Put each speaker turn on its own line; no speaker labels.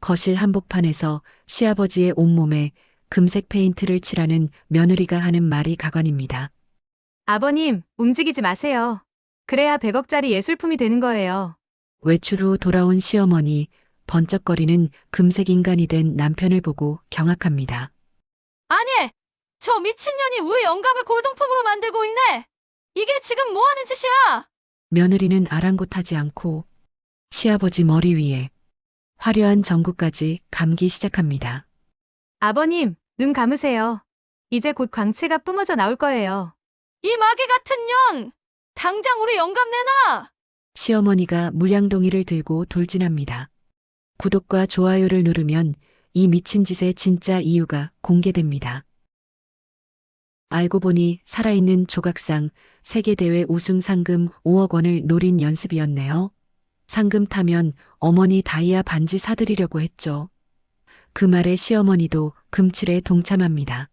거실 한복판에서 시아버지의 온몸에 금색 페인트를 칠하는 며느리가 하는 말이 가관입니다.
아버님, 움직이지 마세요. 그래야 100억짜리 예술품이 되는 거예요.
외출 후 돌아온 시어머니, 번쩍거리는 금색 인간이 된 남편을 보고 경악합니다.
아니, 저 미친년이 우리 영감을 골동품으로 만들고 있네. 이게 지금 뭐 하는 짓이야?
며느리는 아랑곳하지 않고 시아버지 머리 위에 화려한 전구까지 감기 시작합니다.
아버님, 눈 감으세요. 이제 곧 광채가 뿜어져 나올 거예요. 이 마귀 같은 년! 당장 우리 영감 내놔!
시어머니가 물량동이를 들고 돌진합니다. 구독과 좋아요를 누르면 이 미친 짓의 진짜 이유가 공개됩니다. 알고 보니 살아있는 조각상 세계대회 우승 상금 5억 원을 노린 연습이었네요. 상금 타면 어머니 다이아 반지 사드리려고 했죠. 그 말에 시어머니도 금칠에 동참합니다.